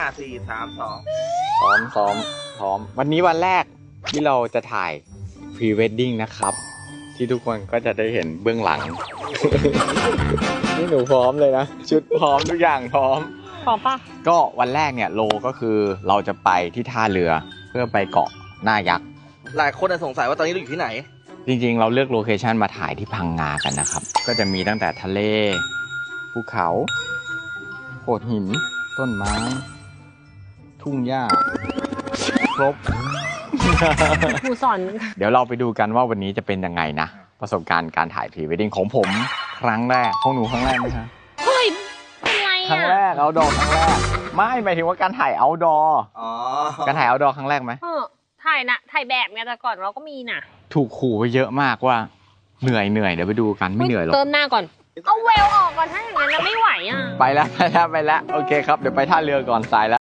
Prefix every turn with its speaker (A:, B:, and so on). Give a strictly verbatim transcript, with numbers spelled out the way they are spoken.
A: ห้าสี่สามสอง
B: พร้อมซ้อมพร้อมวันนี้วันแรกที่เราจะถ่ายพรีเวดดิ้งนะครับ ที่ทุกคนก็จะได้เห็นเบื้องหลัง นี่หนูพร้อมเลยนะ ชุดพร้อมทุกอย่างพร้อม
C: พร้อมปะ
B: ก็วันแรกเนี่ยโลก็คือเราจะไปที่ท่าเรือเพื่อไปเกาะหน้ายักษ์
A: หลายคนสงสัยว่าตอนนี้เราอยู่ที่ไหน
B: จริงๆเราเลือกโลเคชันมาถ่ายที่พังงากันนะครับ ก็จะมีตั้งแต่ทะเลภูเขาโขดหิน ต้นไม้ ทุ่งหญ้าครบ
C: ครูสอน
B: เดี๋ยวเราไปดูกันว่าวันนี้จะเป็นยังไงนะ ประสบการณ์การถ่ายพรีเวดดิ้งของผมครั้งแรกของหนูครั้งแรกไหมคะ
C: เฮ้ยเป็นไร
B: ครั้ง
C: อ่ะ
B: แรกเอาดอครั้งแรกไม่หมายถึงว่าการถ่ายเอาดอ
A: อ๋อ
B: การถ่ายเอาดอครั้งแรกไหม
C: เออถ่ายนะถ่ายแบบไงแต่ก่อนเราก็มีน่ะ
B: ถูกขู่ไปเยอะมากว่าเหนื่อยเหนื่อยเดี๋ยวไปดูกันไม่เหนื่อยหรอก
C: เติมหน้าก่อน เอาเวลออกก่อนถ้าอย่างนั้นนะไม่ไหวอ่ะ
B: ไปแล้วไปแล้วไปแล้วโอเคครับเดี๋ยวไปท่าเรือก่อนสายแล้ว